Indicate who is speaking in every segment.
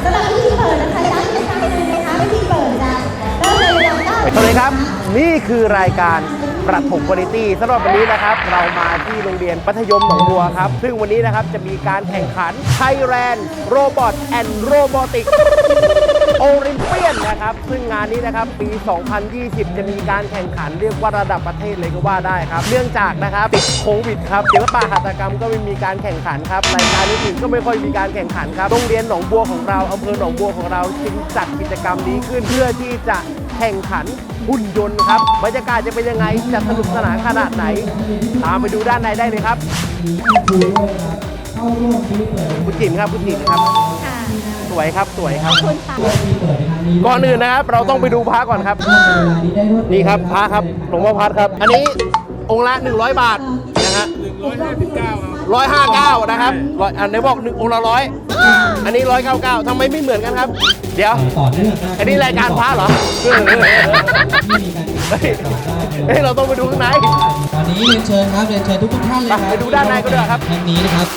Speaker 1: สำหรับพิธีเปิดนะคะย้ำอีกครั้งหนึ่งนะคะพิธีเปิดจะเริ่มในเวลา
Speaker 2: สวัสดีครับนี่คือรายการประถมวาไรตี้สำหรับวันนี้นะครับเรามาที่โรงเรียนมัธยมหนองบัวครับซึ่งวันนี้นะครับจะมีการแข่งขัน Thailand Robot and Robotics Olympian นะครับซึ่งงานนี้นะครับปี 2020 จะมีการแข่งขันเรียกว่าระดับประเทศเลยก็ว่าได้ครับเนื่องจากนะครับติดโควิดครับศิลปะหัตถกรรมก็ไม่มีการแข่งขันครับรายการอื่นๆก็ไม่ค่อยมีการแข่งขันครับโรงเรียนหนองบัวของเราอำเภอหนองบัวของเราจึงจัดกิจกรรมนี้ขึ้นเพื่อที่จะแข่งขันหุ่นยนต์ครับบรรยากาศจะเป็นยังไงจะสนุกสนานขนาดไหนตามไปดูด้านในได้เลยครับคุณจิ๋มครับคุณจิ๋มครับสวยครับสวยครับก่อนอื่นนะครับเราต้องไปดูพระก่อนครับนี่ครับพระครับหลวงพ่อพัดครับอันนี้องค์ละ100 บาทนะฮะ159นะครับอันนี้บอกองค์ละ100อันนี้199ทำไมไม่เหมือนกันครับเดี๋ยวอันนี้รายการพระเหรอเฮ้ยเราต้องไปดูข้างใน
Speaker 3: ตอนนี้เรียนเชิญครับเรียนเชิญทุกท่านเลยครับ
Speaker 2: ไปดูด้านในก็ได้ครับ
Speaker 3: แห่งนี้นะครับ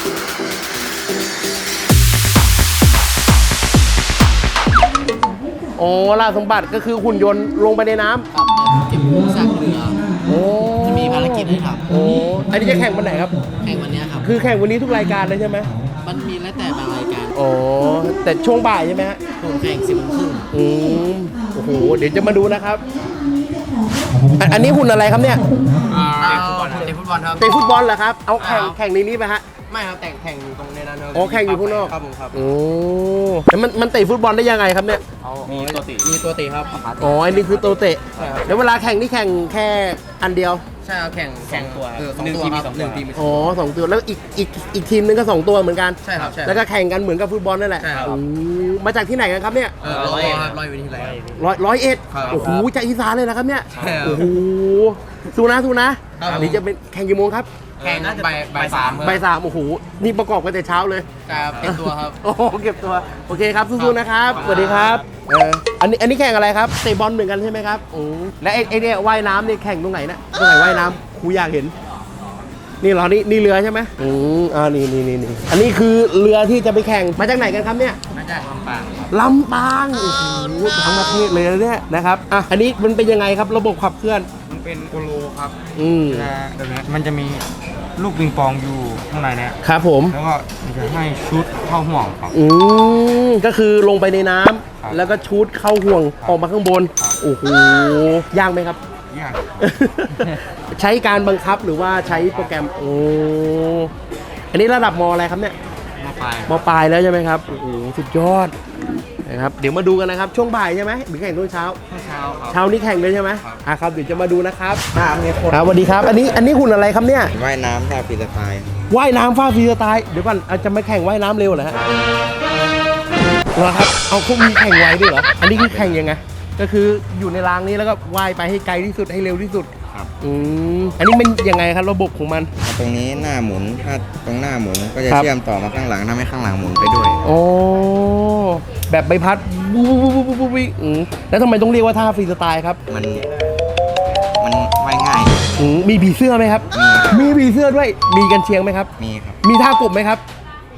Speaker 2: โอ้ล่าสมบัติก็คือหุ่นยนต์ลงไปในน้ำ
Speaker 3: ครับเก็บกู้ซากเรือ
Speaker 2: โอ้
Speaker 3: จะมีภารกิจให้ทำ
Speaker 2: โอ้อันนี้จะแข่งวันไหนครับ
Speaker 3: แข่งวันนี้ครับ
Speaker 2: คือแข่งวันนี้ทุกรายการเลยใช่ไหม
Speaker 3: มันมีแล้วแต่บางรายการ
Speaker 2: โอ้แต่ช่วงบ่ายใช่ไหมฮะ
Speaker 3: ผมแข่ง10 โมงครึ่ง
Speaker 2: โอ้โหเดี๋ยวจะมาดูนะครับอันนี้หุ่นอะไรครับเนี่ย
Speaker 3: เตะฟุตบอลครับเตะฟุตบอลครับ
Speaker 2: เตะฟุตบอลเหรอครับเอาแข่งในนี้ไหมฮะ
Speaker 3: ไม่ครับแข่งอยู่ตรงในนั้นครับ
Speaker 2: อ๋อแข่งอยู่ข้างนอก
Speaker 3: ครับผมครับ
Speaker 2: โอ้แล้วมันเตะฟุตบอลได้ยังไงครับเนี่ย
Speaker 3: มีตัวเตะครับ
Speaker 2: อ๋ออันนี้คือตัวเตะแล้วเวลาแข่งนี่แข่งแค่อันเดียว
Speaker 3: ใช่ครับแข่ง2 ตัว1 ทีมมี2 ทีม
Speaker 2: อ๋อ2 ตัวแล้วอีกทีมนึงก็2 ตัวเหมือนกัน
Speaker 3: ใช่ครับ
Speaker 2: แล้วก็แข่งกันเหมือนกับฟุตบอลนั่นแหละมาจากที่ไหนกันครับเนี่ย
Speaker 3: ร้อยวิธีไร
Speaker 2: 101โอ้โหจากอีสานเลยนะครับเนี่ยโอ้โหสู้นะนี่จะเป็นแข่งกี่โมงครับ
Speaker 3: แข่งน่าจะบ่าย
Speaker 2: 3โอ้โหนี่ประกอบกันแต่เช้าเลย
Speaker 3: ครับเก็บตัวครับ
Speaker 2: โอ้เก็บตัวโอเคครับสู้ๆนะครับสวัสดีครับอันนี้แข่งอะไรครับเตะบอลเหมือนกันใช่ไหมครับและไอ้เนี่ยว่ายน้ำนี่แข่งตรงไหนนะตรงไหนว่ายน้ำครูอยากเห็นนี่เหรอนี่เรือใช่ไหมนี่อันนี้คือเรือที่จะไปแข่งมาจากไหนกันครับเนี่ย
Speaker 3: มาจาก
Speaker 2: ลำปางโอ้โหทั้งประเทศเลยเนี่ยนะครับอันนี้มันเป็นยังไงครับระบบขับเคลื่อน
Speaker 4: มันเป็นโกโลครับมันจะมีลูกปิงปองอยู่ข้างในเนี่ย
Speaker 2: ครับผม
Speaker 4: แล้วก็จะให้ชุดเข้าห่วงครับ
Speaker 2: ก็คือลงไปในน้ำแล้วก็ชุดเข้าห่วงออกมาข้างบนโอ้โหยากไหมครับ
Speaker 4: ยาก
Speaker 2: ใช้การบังคับหรือว่าใช้โปรแกรมอันนี้ระดับม.อะไรครับเนี่ยม.ปลายแล้วใช่ไหมครับโอ้โหสุดยอดนะครับเดี๋ยวมาดูกันนะครับช่วงบ่ายใช่ไหมหรือแข่งตอนเช้าเช้านี้แข่งเลยใช่ไหมครับเดี๋ยวจะมาดูนะครับครับสวัสดีครับอันนี้หุ่นอะไรครับเนี่ย
Speaker 5: ว่ายน้ำท่าฟรีสไตล์
Speaker 2: ว่ายน้ำฟาฟรีสไตล์เดี๋ยวก่อนจะมาแข่งว่ายน้ำเร็วเหรอฮะเหรอครับเอาเขามีแข่งไวด้วยเหรออันนี้คือแข่งยังไงก็คืออยู่ในรางนี้แล้วก็ว่ายไปให้ไกลที่สุดให้เร็วที่สุด
Speaker 5: ครับ
Speaker 2: อันนี้มันยังไงครับระบบของมัน
Speaker 5: ตรงนี้หน้าหมุนถ้าตรงหน้าหมุนก็จะเชื่อมต่อมาข้างหลังทำให้ข้างหลังหมุนไปด้วย
Speaker 2: โอ้แบบใบพัดแล้วทำไมต้องเรียกว่าท่าฟรีสไตล์ครับ
Speaker 5: มันว่ายง่าย
Speaker 2: มีผีเสื้อไหมครับมีผีเสื้อด้วยมีกันเชียงไหมครับ
Speaker 5: มีครับ
Speaker 2: มีท่ากบไหมครับ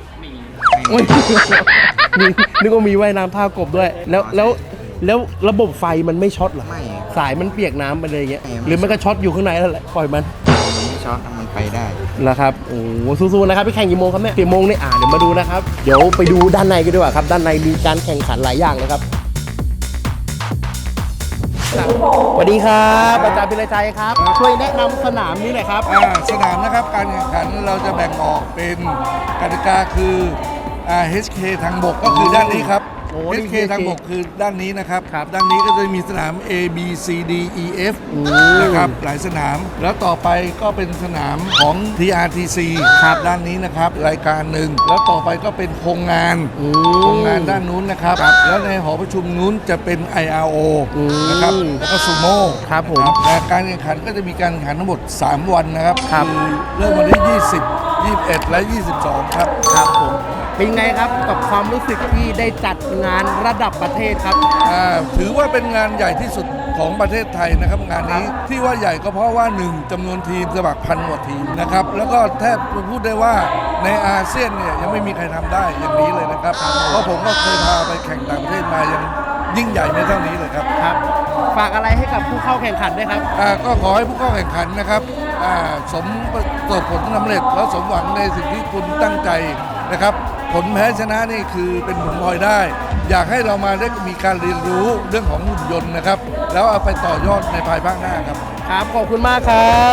Speaker 2: มีนึกว่ามีว่ายน้ำท่ากบด้วยแล้วระบบไฟมันไม่ช็อตหรอ
Speaker 5: ไม่
Speaker 2: สายมันเปียกน้ำไปเลยอย่างเงี้ยหรือมันก็ช็อตอยู่ข้างในแล้วแหละปล่อยมัน
Speaker 5: ไม่ช็อตมันไปได้
Speaker 2: แล้วครับโอ้สู้ๆนะครับไปแข่งกี่โมงครับเนี่ยกี่โมงเนี่ยเดี๋ยวมาดูนะครับเดี๋ยวไปดูด้านในกันดีกว่าครับด้านในมีการแข่งขันหลายอย่างเลยครับสวัสดีครับอาจารย์พิรชัยครับช่วยแนะนำสนามนี้หน่อยครับ
Speaker 6: สนามนะครับการแข่งขันเราจะแบ่งออกเป็นกติกาคือ HK ทางบกก็คือด้านนี้ครับ HK ทางบกคือด้านนี้นะครับด้านนี้ก็จะมีสนาม A B C D E F นะครับหลายสนามแล้วต่อไปก็เป็นสนามของ TRTC ครับด้านนี้นะครับรายการหนึ่งแล้วต่อไปก็เป็นโครงงานด้านนู้นนะครับแล้วในหอประชุมนู้นจะเป็น IRO นะครับแล้วก็ซูโม่
Speaker 2: ครับผม
Speaker 6: การแข่งขันก็จะมีการแข่งขันทั้งหมด3 วันนะครับเริ่มวันที่20 21 และ 22 ครับ
Speaker 2: ผมเป็นไงครับกับความรู้สึกที่ได้จัดงานระดับประเทศครับ
Speaker 6: ถือว่าเป็นงานใหญ่ที่สุดของประเทศไทยนะครับงานนี้ที่ว่าใหญ่ก็เพราะว่า1จำนวนทีมสมัคร1,000 กว่าทีมนะครับแล้วก็แทบพูดได้ว่าในอาเซียนเนี่ยยังไม่มีใครทำได้อย่างนี้เลยนะครับเพราะผมก็เคยพาไปแข่งต่างประเทศมายังยิ่งใหญ่ไม่เท่านี้เลยครับ
Speaker 2: ครับ ฝากอะไรให้กับผู้เข้าแข่งขันด้วยครับ
Speaker 6: ก็ขอให้ผู้เข้าแข่งขันนะครับสมประสบผลสำเร็จแล้วสมหวังในสิ่งที่คุณตั้งใจนะครับผลแพ้ชนะนี่คือเป็นผลพลอยได้ อยากให้เรามาได้มีการเรียนรู้เรื่องของหุ่นยนต์นะครับแล้วเอาไปต่อยอดในภายภาคหน้าครับ
Speaker 2: ครับ ขอบคุณมากครับ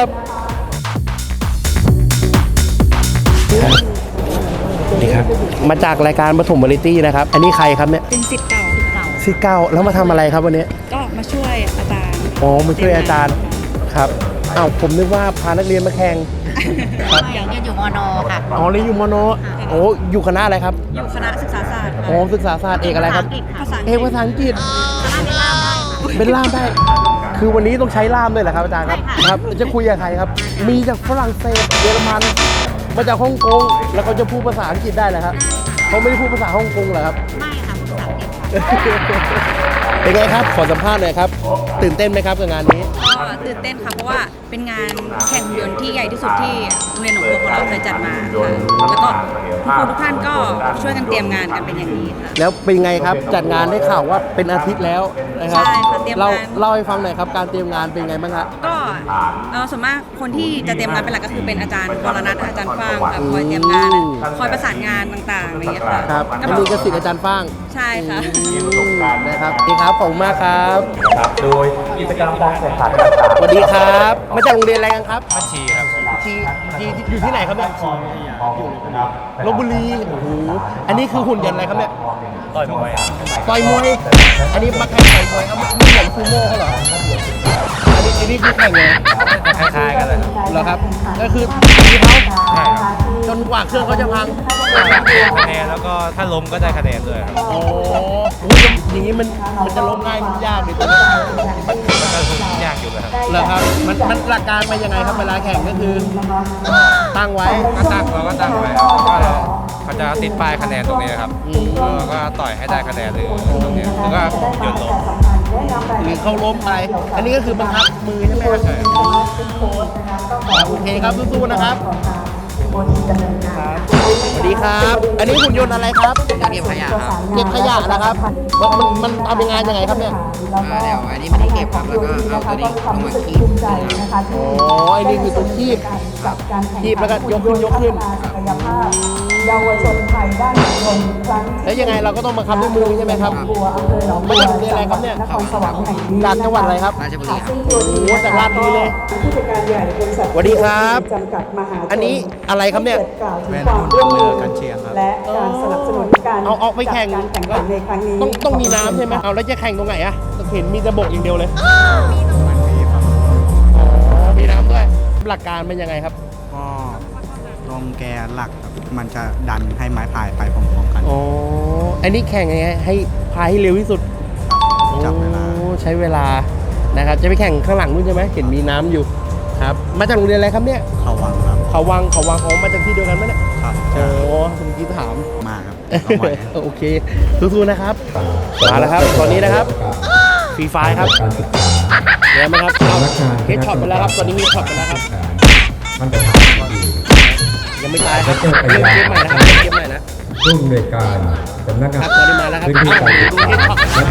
Speaker 2: นี่ครับ มาจากรายการปฐมวาไรตี้นะครับ อันนี้ใครครับเนี่ย
Speaker 7: เป็นสิทธิ์เก่า
Speaker 2: สิเก้าแล้วมาทำอะไรครับวันนี้
Speaker 7: ก็มาช่วยอาจารย์
Speaker 2: อ๋อ มาช่วยอาจารย์ครับอ้าวผมนึกว่าพานักเรียนมาแข่งครับ
Speaker 1: ยังอยู่มนค่ะ
Speaker 2: อ๋อเรียนอยู่มโนโอ้อยู่คณะอะไรครับ
Speaker 7: อยู่คณะศึกษาศาสตร์
Speaker 2: อ๋อศึกษาศาสตร์เอกอะไรครับ
Speaker 7: ภาษาอังก
Speaker 2: เอ
Speaker 7: ฤษ
Speaker 2: กภาษาอังกฤษเป็นล่ามได้ คือวันนี้ต้องใช้ล่ามด้วยเหรอครับอาจารย์ครับครับจะคุยกับใครครับ มีจากฝรั่งเศสเยอรมันมาจากฮ่องกงแล้วเขาจะพูดภาษาอังกฤษได้เหรอครับเขาไม่ได้พูดภาษาฮ่องกงเหรอครับ
Speaker 1: ไม่ค่ะภาษาอังกฤษ
Speaker 2: เป็นไงครับขอสัมภาษณ์หน่อยครับตื่นเต้นไหมครับกับงานนี้
Speaker 7: ก็ตื่นเต้นค่ะเพราะว่าเป็นงานแข่งหุ่นยนต์ที่ใหญ่ที่สุดที่โรงเรียนหนองบัวของเราเคยจัดมาค่ะแล้วก็ครูทุกท่านก็ช่วยกันเตรียมงานกันเป็นอย่างดีค่ะ
Speaker 2: แล้วเป็นไงครับจัดงานได้ข่าวว่าเป็นอาทิตย์แล้วนะครับ
Speaker 7: ใช่ค่ะเตรียมงาน
Speaker 2: เล่าให้ฟังหน่อยครับการเตรียมงานเป็นไงบ้างครับ
Speaker 7: ก็ส่วนมากคนที่จะเตรียมงานเป็นหลักก็คือเป็นอาจารย์วรนัทอาจารย์ฟางค่ะคอยเตรียมงานคอยประสานงานต่างๆอะไรอย่างเงี้ยค่ะ
Speaker 2: ครับ
Speaker 7: ก็
Speaker 2: อันนี้ก็ศิษย์อาจารย์ฟ้าง
Speaker 7: ใช่ค่ะ
Speaker 2: นะครับดีครับขอบคุณมากครับ
Speaker 8: ครับโดยกิจกรรมการแข่งขัน
Speaker 2: สวัสดีครับมาจากโรงเรียนอะไรกันครับ
Speaker 4: บัญชีครับ
Speaker 2: ชีอยู่ที่ไหนครับเนี่ยลพบุรีโอ้โหอันนี้คือหุ่นยนต์อะไรครับเนี่ย
Speaker 4: ต่อยมวย
Speaker 2: ต่อยมวยอันนี้มาแข่งต่อยมวยเอาไม่เหมือนซูโม่เขาเหรออันนี้คือแข่งไง
Speaker 4: คล้ายๆกันเลย
Speaker 2: เหรอครับก็คือตีเขา
Speaker 4: ใช่ครับ
Speaker 2: จนกว่าเครื่องเขาจะพัง
Speaker 4: คะแนนแล้วก็ถ้าล้มก็ได้คะแนนด้วยครับ
Speaker 2: โอ้โหอย่างนี้มันจะล้มง่ายมันยากเลยตัวนี้
Speaker 4: มันก็ยากอยู่นะครับ
Speaker 2: เหรอครับมันหลักการมันยังไงครับเวลาแข่งก็คือตั้งไว้
Speaker 4: ก็ตั้งเราก็ตั้งไว้ครับว่าเขาจะติดป้ายคะแนนตรงนี้ครับแล้วก็ต่อยให้ได้คะแนนหรือตรงนี้แล้วก็โยนลง
Speaker 2: หรือเขาล้มไป อันนี้ก็คือบังคับมือใช่ไหมครับโอเคครับสู้ๆนะครับสวัสดีครับ อันนี้หุ่นยนต์อะไรครับ
Speaker 3: เก็บขยะครับ
Speaker 2: เก็บขยะนะครับมันทำยังไงยังไงครับเนี่ย
Speaker 3: เดี๋ยวอันนี้ไม่ได้เก็บครับแล้วก็เอาตัวนี้ลงมาคีบ
Speaker 2: อ๋อไอ้นี่คือตัวคีบคีบแล้วก็ยกขึ้นเยาวชนไทยด้านยนต์ครั้งแล้วยังไงเราก็ต้องบังคับด้วยมือใช่ไหมครับมาจากโรงเรียนอะไรครับเนี่ยจากจังหวัดอะไรครับ
Speaker 3: ราชบุรีครับ
Speaker 2: โอ้โหจากราชบุรีเลยสวัสดีครับ อันนี้อะไรครับเนี่ย
Speaker 4: เป็นหุ่นเรือกันเชียงครับ
Speaker 9: และการสนับสนุนการ
Speaker 2: เอาออกไปแข่ง
Speaker 9: จัดการแข่งขันในครั้งนี้
Speaker 2: ต้องมีน้ำใช่ไหมเอาแล้วจะแข่งตรงไหนอะเห็นมีแต่บกอย่างเดียวเลย
Speaker 4: มันมีครับ
Speaker 2: อ๋อมีน้ำด้วยหลักการเป็นยังไงครับ
Speaker 4: ก็ลมแกนหลักครับมันจะดันให้ไม้พายไปพร้อมๆกัน
Speaker 2: อ๋ออันนี้แข่งยังไงให้พายให้เร็วที่สุด
Speaker 4: จับเวลา
Speaker 2: โอ้ใช้เวลานะครับจะไปแข่งข้างหลังนู้นใช่ไหมเห็นมีน้ำอยู่ครับมาจากโรงเรียนอะไรครับเนี่ย
Speaker 4: เขาวังครับ
Speaker 2: เขาวังของมาจากที่เดียวกันไหมเนี่ย
Speaker 4: ครับ
Speaker 2: โอ้เมื่อกี้ถาม
Speaker 4: มากครับ
Speaker 2: โอเคสู้ๆนะครับมาแล้วครับตอนนี้นะครับฟรีไฟครับเดี๋ยวมาครับเอาเฮดช็อตไปแล้วครับตอนนี้เฮดช็อตไปแล้วครับ
Speaker 8: มันจะทำให้ดี
Speaker 2: ยังไม่ตายครับเล่นเกมใหม่นะครับเล่นเกมใหม่นะ
Speaker 8: ผู้อำนวยการสำนักงาน
Speaker 2: ครับตอนนี้มาแล้วครับ
Speaker 8: พื้นที่การศึก
Speaker 2: ดู
Speaker 8: ษา
Speaker 2: เฮดช็อตนะครับ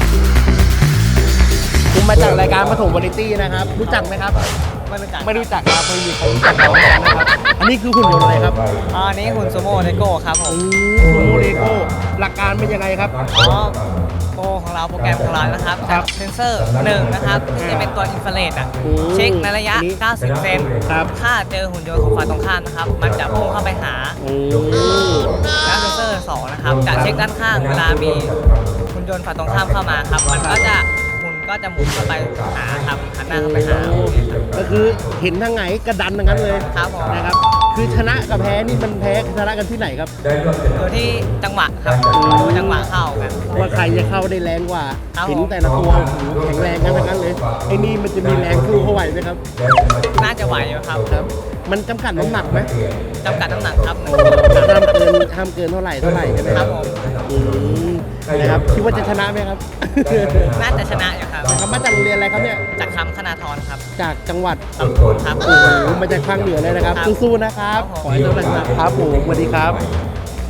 Speaker 2: คุณมาจากรายการปฐมวาไรตี้นะครับรู้จักไหมครับไม่รู้จักครับไม่มีใครรู้จักเรานะครับอันนี้คือหุ่นยนต์อะไรครับ
Speaker 10: อันนี้หุ่นซูโม่เลโก้ครับผม
Speaker 2: ซูโมเลโก้หลักการเป็นยังไงครับ
Speaker 10: โปรของเราโปรแกรมของเรานะครับ
Speaker 2: ครับ
Speaker 10: เซนเซอร์1นะครับจะเป็นตัวอินฟราเรดเช็คในระยะ
Speaker 2: อันนี้
Speaker 10: 90 เซน
Speaker 2: ครับ
Speaker 10: ถ้าเจอหุ่นยนต์ของฝ่ายตรงข้ามนะครับ มันจะพุ่งเข้าไปหา แล้วเซนเซอร์2นะครับจะเช็คด้านข้างเวลามีหุ่นยนต์ฝ่ายตรงข้ามเข้ามาครับ มันก็จะหมุนเข้าไปหาครับหันหน้าเข้าไปหา
Speaker 2: ก็คือเห็นทางไหนกระดันทางนั้นเลย
Speaker 10: ครับผม
Speaker 2: นะครับ คือชนะกับแพ้นี่มันแพ้ชนะกันที่ไหนครับ
Speaker 10: อยู่ที่จังหวะครับดูจังหวะเข้ากัน
Speaker 2: ว่าใครจะเข้าได้แรงกว่า
Speaker 10: ครับ
Speaker 2: เห็นแต่ละตัวโอ้โหแข็งแรงกันทั้งนั้นเลยไอ้นี่มันจะมีแรงสู้เขาไหวไหมครับ
Speaker 10: น่าจะไหวอยู่ครับ
Speaker 2: ครับ มันจำกัดน้ำหนักไหม
Speaker 10: จำกัดน้ำหนักครับ
Speaker 2: ห้ามเกินเท่าไหร่ใช่ไหม
Speaker 10: ครับผม
Speaker 2: อืมนะครับคิดว่าจะชนะไหมครับ
Speaker 10: น่าจะชนะอยู่ครับ
Speaker 2: นะครับมาจากโรงเรียนอะไรครับเนี่ย
Speaker 10: จากคำคณาธรครับ
Speaker 2: จากจังหวัด
Speaker 10: ครับ
Speaker 2: โอ้โหมาจากภาคเหนือเลยนะครับ
Speaker 10: ครับ
Speaker 2: สู้ๆนะครับ
Speaker 10: ครับผม
Speaker 2: ขอให้สำเร็จนะครับผมสวัสดีครับ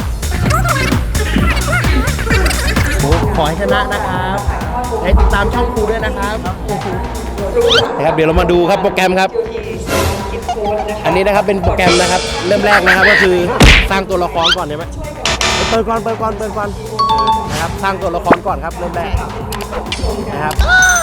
Speaker 2: ขอให้ชนะนะครับให้ติดตามช่องครูด้วยนะครับนะครับเดี๋ยวเรามาดูครับโปรแกรมครับ อันนี้นะครับเป็นโปรแกรมนะครับเริ่มแรกนะครับก็คือสร้างตัวละครก่อนใช่ไหมเปิดก่อนนะครับสร้างตัวละครก่อนครับเริ่มแรกนะครับ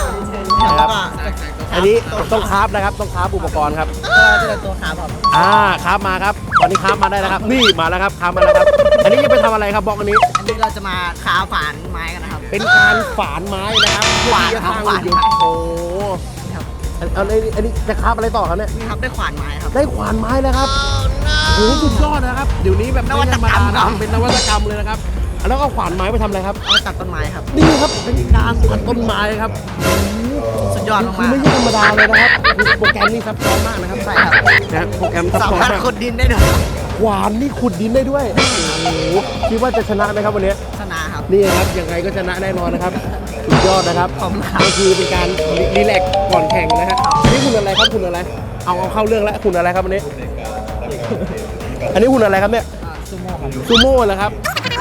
Speaker 2: อันนี้ต้องคราฟนะครับต้องคราฟอุปกรณ์ครับ
Speaker 10: ก็จะตัวขาแบบ
Speaker 2: คราฟมาครับตอนนี้คราฟมาได้แล้วครับนี่มาแล้วครับคราฟมาแล้วครับอันนี้จะไปทำอะไรครับบล็อกอันนี้
Speaker 10: อันนี้เราจะมาขาฝานไม้กันนะครับ
Speaker 2: เป็นการฝานไม้นะครับ
Speaker 10: ฝาน
Speaker 2: เพื่อที่จะสร้าง
Speaker 10: ฝาน
Speaker 2: หุ่นยนต์โอ้เอาเลยอันนี้จะคราฟอะไรต่อครับเนี่ย
Speaker 10: นี่ครับได้ขวานไม้ครับ
Speaker 2: ได้ขวานไม้แล้วครับโอ้โหสุดยอดนะครับเดี๋ยวนี้แบบไม่ธรรมดานะเป็นนวัตกรรมเลยนะครับแล้วก็ขวานไม้ไปทำอะไรครับ
Speaker 10: เอาไปตัดต้นไม้ครับ
Speaker 2: นี่ครับเป็นการตัดต้นไม้ครับ
Speaker 10: สุดยอด
Speaker 2: คื
Speaker 10: มา
Speaker 2: อก ไม่ใช่ธรรมดาเลยนะครับโปรแกรมนี่ซับซ้อนมากนะครับ
Speaker 10: ใช่ครับ
Speaker 2: นะโปรแกรมซับ
Speaker 10: สา
Speaker 2: ซ้อน
Speaker 10: มารถ
Speaker 2: มาก
Speaker 10: ขุดดินได้ด้วย
Speaker 2: ขวานนี่ขุดดินได้ด้วยโอ้โหคิดว่าจะชนะไหมครับวันนี้
Speaker 10: ชนะครับ
Speaker 2: นี่ครับยังไงก็ชนะแน่นอนนะครับสุดยอดนะครับ
Speaker 10: ขอบคุณครับ
Speaker 2: ก็คือเป็นการรีแลกซ์ก่อนแข่งนะฮะอันนี้คุณอะไรครับคุณอะไรเอาเข้าเรื่องแล้วคุณอะไรครับอันนี้ อันนี้คุณอะไรครับเนี่ยซูโม่เหรอครับ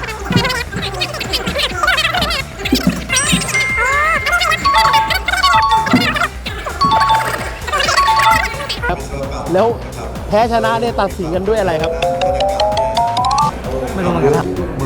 Speaker 2: ครับแล้วแพ้ชนะเนี่ยตัดสินกันด้วยอะไรครับ
Speaker 10: ไม่รู้เหมือนกันครับ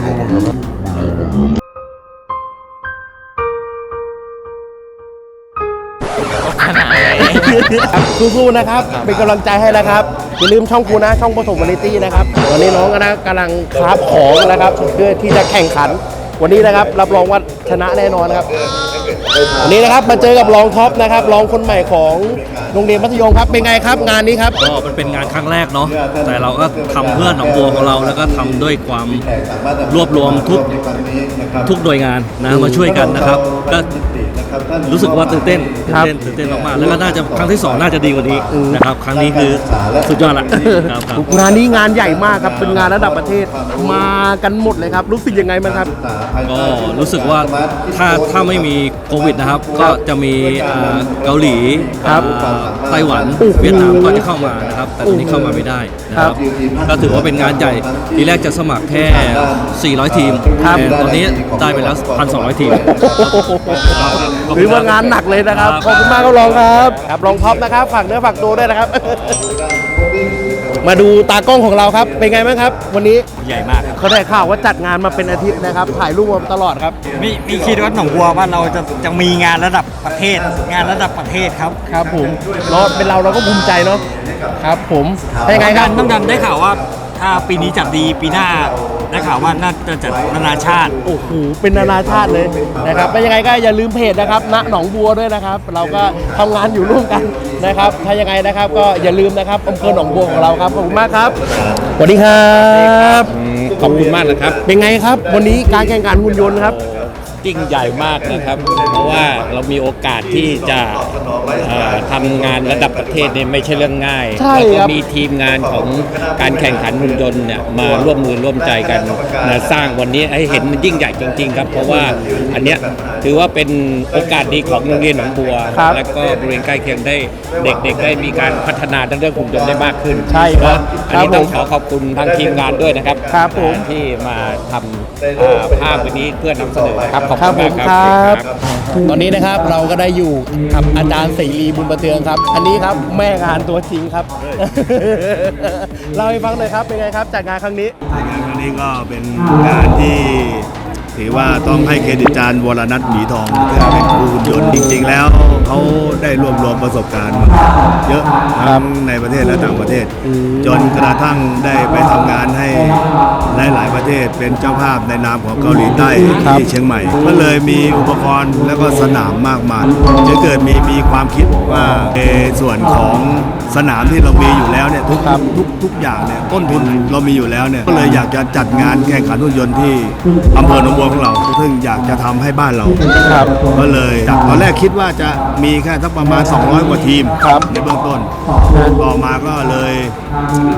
Speaker 2: สู้ๆนะครับเป็นกำลังใจให้นะครับอย่าลืมช่องครูนะช่องปฐมวาไรตี้นะครับวันนี้น้องกำลังคราฟของนะครับเพื่อที่จะแข่งขันวันนี้นะครับรับรองว่าชนะแน่นอนนะครับวันนี้นะครับมาเจอกับรองท็อปนะครับรองคนใหม่ของโรงเรียนมัธยมครับเป็นไงครับงานนี้ครับ
Speaker 11: ก็มันเป็นงานครั้งแรกเนาะแต่เราก็ทำเพื่อหนองบัวของเราแล้วก็ทำด้วยความรวบรวมทุกหน่วยงานนะมาช่วยกันนะครับก็รู้สึกว่าตื่นเต้นมากๆแล้วก็น่าจะครั้งที่ 2น่าจะดีกว่านี้นะครับครั้งนี้คือสุดยอดละครับ
Speaker 2: งานนี้งานใหญ่มากครับเป็นงานระดับประเทศมากันหมดเลยครับรู้สึกยังไงบ้างครับ
Speaker 11: ก็รู้สึกว่าถ้าไม่มีโควิดนะครับก็จะมีเกาหลี
Speaker 2: ครับ
Speaker 11: ไต้หวันเวียดนามก็จะเข้ามานะครับแต่ตอนนี้เข้ามาไม่ได้นะครับก็ถือว่าเป็นงานใหญ่ทีแรกจะสมัครแค่400 ทีมแต่ตอนนี้ได้ไปแล้ว 1,200 ทีม
Speaker 2: หรือว่างานหนักเลยนะครับขอบคุณมากครับรองครับครับรองท็อปนะครับฝากเนื้อฝากตัวด้วยนะครับ มาดูตากล้องของเราครับเป็นไงบ้างครับ วันนี้
Speaker 11: ใหญ่มากครับ
Speaker 2: เขาได้ข่าวว่าจัดงานมาเป็นอาทิตย์นะครับถ่ายรูปมาตลอดครับ
Speaker 10: มีคิดว่าหนองบัวว่าเราจะมีงานระดับประเทศครับ
Speaker 2: ครับผมเราก็ภูมิใจเนาะครับผมเป็นไงครับ
Speaker 10: น้ำดันได้ข่าวว่าถ้าปีนี้จัดดีปีหน้าได้ข่าวว่าน่าจะจัดนานาชาติ
Speaker 2: โอ้โหเป็นนานาชาติเลยนะครับเป็นยังไงก็อย่าลืมเพจนะครับณหนองบัวด้วยนะครับ เราก็ทำงานอยู่ร่วมกันนะครับถ้ายังไงนะครับก็อย่าลืมนะครับอำเภอหนองบัวของเราครับขอบคุณมากครับสวัสดีครับขอบคุณมากนะครับเป็นไงครับวันนี้การแข่งขันหุ่นยนต์ครับ
Speaker 12: ยิ่งใหญ่มากนะครับเพราะว่าเรามีโอกาสที่จะทำงานระดับประเทศเนี่ยไม่ใช่เรื่องง่าย
Speaker 2: ใช่
Speaker 12: แล้ว
Speaker 2: ค
Speaker 12: ก็
Speaker 2: รับ
Speaker 12: มีทีมงานของการแข่งขันหุ่นยนต์เนี่ยมาร่วมมือร่วมใจกันนะสร้างวันนี้ให้เห็นมันยิ่งใหญ่จริงๆครับเพราะว่าอันเนี้ยถือว่าเป็นโอกาสดีของโรงเรียนหนองบัว
Speaker 2: ครับ
Speaker 12: และก็บริเวณใกล้เคียงได้เด็กๆได้มีการพัฒนาทั้งเรื่องหุ่นยนต์ได้มากขึ้น
Speaker 2: ใช่ครับ
Speaker 12: อันนี้
Speaker 2: ครับผม
Speaker 12: ต้องขอบคุณทางทีมงานด้วยนะครับ
Speaker 2: ครับผม
Speaker 12: ที่มาทำภาพวันนี้เพื่อนำเสนอนะครับขอบ
Speaker 2: ครั
Speaker 12: คุ
Speaker 2: บ
Speaker 12: ณ
Speaker 2: ผม
Speaker 12: มาก
Speaker 2: ค
Speaker 12: ค
Speaker 2: รั
Speaker 12: รับ
Speaker 2: ตอนนี้นะครับเราก็ได้อยู่กับอาจารย์เสรีบุญประเทืองครับ อันนี้ครับแม่งานตัวจริงครับ เล่าให้ฟังหน่อยครับเป็นไงครับจัดงานครั้งนี้
Speaker 13: งานครั้งนี้ก็เป็นงานที่ถือว่าต้องให้เครดิตอาจารย์วรนัทหมีทองที่เป็นครูหุ่นยนต์จริงๆแล้วเขาได้รวบรวมประสบการณ์มาเยอะทั้งในประเทศและต่างประเทศ จนกระทั่งได้ไปทำงานให้หลายๆประเทศเป็นเจ้าภาพในนามของเกาหลีใต้ที่เชียงใหม่ ก็เลยมีอุปกรณ์แล้วก็สนามมากมายจะเกิดมีความคิดว่าในส่วนของสนามที่เรามีอยู่แล้วเนี่ยทุกอย่างเนี่ยต้นทุนเรามีอยู่แล้วเนี่ยก็เลยอยากจะจัดงานแข่งขันหุ่นยนต์ที่อำเภอหนองบัวของเราซึ่งอยากจะทำให้บ้านเราก็เลยจากตอนแรกคิดว่าจะมีแค่สักประมาณ200 กว่าทีมในเบื้องต้นต่อมาก็เลย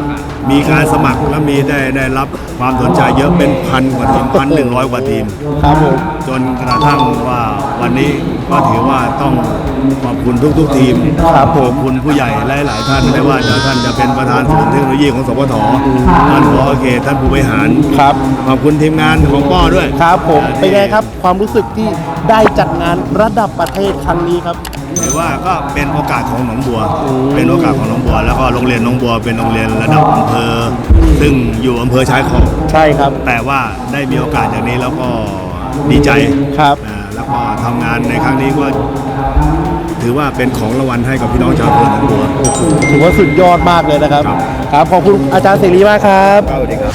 Speaker 13: มีการสมัครและมีได้รับความสนใจเยอะเป็นพันกว่าทีม1,100 กว่าทีม
Speaker 2: ครับผม
Speaker 13: จนกระทั่งว่าวันนี้ก็ถือว่าต้องขอบคุณทุกทีม
Speaker 2: ครับผม
Speaker 13: ขอบคุณผู้ใหญ่หลายๆท่านไม่ว่าท่านจะเป็นประธานศูนย์เทคโนโลยีของสปทท่านผอ.เขตท่านผู้บริหาร
Speaker 2: ครับ
Speaker 13: ขอบคุณทีมงานของป้อด้วย
Speaker 2: ครับผมเป็นไงครับความรู้สึกที่ได้จัดงานระดับประเทศครั้งนี้ครับ
Speaker 13: ถือว่าก็เป็นโอกาสของหนองบัว เป็นโอกาสของหนองบัว แล้วก็โรงเรียนหนองบัวเป็นโรงเรียนระดับอำเภอ ซึ่งอยู่อำเภอชายขอบ
Speaker 2: ใช่ครับ
Speaker 13: แต่ว่าได้มีโอกาสอย่างนี้แล้วก็ดีใจ
Speaker 2: ครับ
Speaker 13: แล้วก็ทำงานในครั้งนี้ก็ถือว่าเป็นของรางวัลให้กับพี่น้องชาวอำเภอหนองบัว
Speaker 2: ถือว่าสุดยอดมากเลยนะครับ ครับขอบคุณอาจารย์เสรีมากครับ
Speaker 13: สวัสดีครับ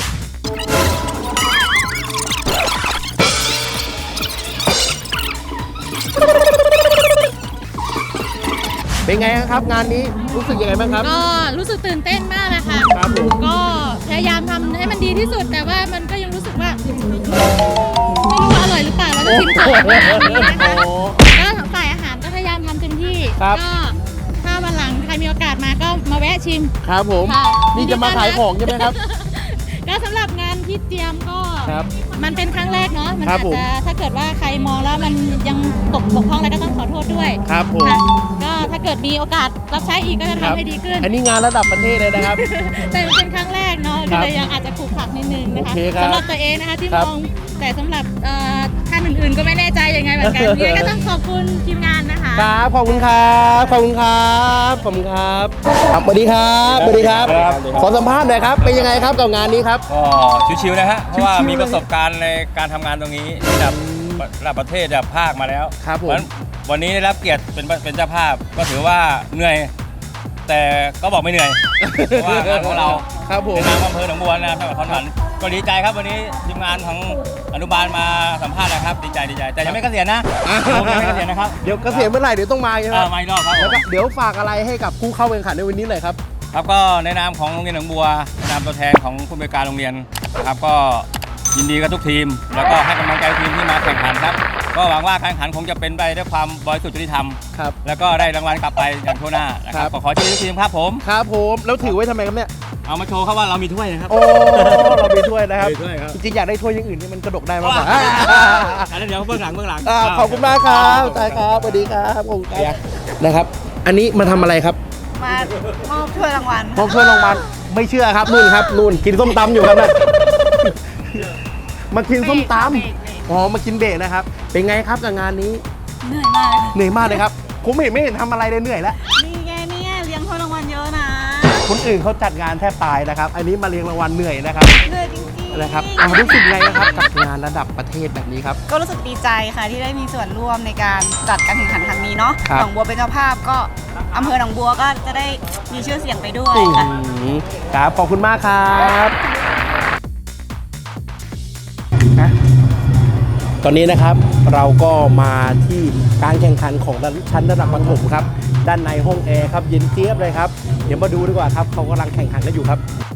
Speaker 2: เป็นไงครับงานนี้รู้สึกยังไงบ้างครับ
Speaker 14: ก็รู้สึกตื่นเต้นมากเลยค่ะ
Speaker 2: ครับผม
Speaker 14: ก็พยายามทำให้มันดีที่สุด แต่ว่ามันก็ยังรู้สึกว่าไม่รู้ว่าอร่อยหรือเปล่าเราจะชิมก่อนนะคะก็ฝ่ายอาหารก็พยายามทำเต็มที่
Speaker 2: ครับ
Speaker 14: ก็ถ้าวันหลังใครมีโอกาสมาก็มาแวะชิม
Speaker 2: ครับผม
Speaker 14: ค่ะ
Speaker 2: นี่จะมาขายของใช่ไหมครับ
Speaker 14: ก็สำหรับงานที่เตรียมก็
Speaker 2: ครับ
Speaker 14: มันเป็นครั้งแรกเนาะมัน
Speaker 2: ครับ
Speaker 14: อาจ
Speaker 2: ผม
Speaker 14: จะถ้าเกิดว่าใครมองแล้วมันยังบกพร่องอะไรก็ต้องขอโทษด้วย
Speaker 2: ครับผม
Speaker 14: ค่ะก็ถ้าเกิดมีโอกาสรับใช้อีกก็จะทำให้ดีขึ้น
Speaker 2: อันนี้งานระดับประเทศเลยนะครับ
Speaker 14: แต่มันเป็นครั้งแรกเนาะ
Speaker 2: ครั
Speaker 14: ก็
Speaker 2: บ
Speaker 14: เลยยังอาจจะขรุขระนิดนึงนะคะ
Speaker 2: โอเคครับ
Speaker 14: สำหรับตัวเองนะคะที่
Speaker 2: ครั
Speaker 14: ม
Speaker 2: บ
Speaker 14: องแต่สำหรับท่านอื่นๆก็ไม่แน่ใจยังไงเหมือนกันยังไงก็ต้องขอบคุณทีมงานนะคะ
Speaker 2: ครับขอบคุณครับขอบคุณครับขอบคุณครับครับสวัสดีครับสวัสดีครับ ขอสัมภาษณ์หน่อยครับเป็นยังไงครับกับงานนี้ครับ
Speaker 4: ก็ชิวๆนะฮะ เพราะว่า
Speaker 2: ชิวๆ
Speaker 4: มีประสบการณ์ในการทำงานตรงนี้ระดับประเทศระดับภาคมาแล้ว
Speaker 2: ครับผม
Speaker 4: เพาะฉะนั้นวันนี้ได้รับเกียรติเป็นเจ้าภาพ ก็ถือว่าเหนื่อย แต่ก็บอกไม่เหนื่อย เพราะว่างานของเรา
Speaker 2: ครับผม
Speaker 4: ในนามอำเภอหนองบัวนะครับจังหวัดขอนแก่นก็ดีใจครับวันนี้ทีมงานของอนุบาลมาสัมภาษณ์นะครับดีใจแต่ยังไม่เกษียณนะผมยังไม่เกษียนนะครับ
Speaker 2: เดี๋ยวเกษียณเมื่อไหร่เดี๋ยวต้องมาใช่ไหม
Speaker 4: มาอีกรอบครับ
Speaker 2: แล้วก็เดี๋ยวฝากอะไรให้กับผู้เข้าแข่งขันในวันนี้หน่อยครับ
Speaker 4: ครับก็ในนามของโรงเรียนหนองบัวในนามตัวแทนของผู้บริการโรงเรียนนะครับก็ยินดีกับทุกทีม แล้วก็ให้กำลังใจทีมที่มาแข่งขันครับก็หวังว่าการแข่งขันคงจะเป็นไปด้วยความบริสุทธิ์ยุติธรรม
Speaker 2: ครับ
Speaker 4: แล้วก็ได้รางวัลกลับไปอย่างทั่วหน้านะครับขอเชียร์ทุกทีมครับผม
Speaker 2: ครับผมแล้วถือไว้ทำไมครับเนี่ย
Speaker 4: เอามาโชว์ครับว่าเรามีถ้วยนะครับ
Speaker 2: โอ้เรามีถ้วยนะครับ
Speaker 4: มีถ้วยครับ
Speaker 2: จริงๆอยากได้ถ้วยอย่างอื่นที่มันกระดกได้มากกว่า
Speaker 4: อันนั้นเดี๋ยวเบื้องหลัง
Speaker 2: ขอบคุณมากครับใช่ครับสวัสดีครับขอบคุณครับนะครับ อันนี้มาทำอะไรครับ
Speaker 7: มามอบถ้วยรางวัล
Speaker 2: มอบถ้วยรางวัลไม่เชื่อครับนู่นครับนู่นกินส้มตำอยู่ครับนะมากินส้มตำอ๋อมากินเบรกนะครับ เป็นไงครับกับงานนี้
Speaker 7: เหนื่อยมาก
Speaker 2: เหนื่อยมากเลยครับผมไม่เห็นทำอะไรเลยเหนื่อยแล้ว
Speaker 7: นี่ไงเนี่ยเลี้ยงถ้วยรางวัลเยอะนะ
Speaker 2: คนอื่นเขาจัดงานแทบตายนะครับ อันนี้มาเรียงรางวัลเหนื่อยนะครับ
Speaker 7: เหนื่อยจริงๆ
Speaker 2: นะครับรู้สึกไงนะครับกับงานระดับประเทศแบบนี้ครับ
Speaker 7: ก็รู้สึกดีใจค่ะที่ได้มีส่วนร่วมในการจัดการแข่งขันครั้งนี้เนาะ
Speaker 2: ครับ
Speaker 7: หนองบัวเป็นเจ้าภาพก็อำเภอหนองบัวก็จะได้มีชื่อเสียงไปด้วยค่ะ
Speaker 2: ครับขอบคุณมากครับตอนนี้นะครับเราก็มาที่การแข่งขันของชั้นระดับประถมครับด้านในห้องแอร์ครับเย็นเจี๊ยบเลยครับเดี๋ยวมาดูดีกว่าครับเขากำลังแข่งขันกันอยู่ครับ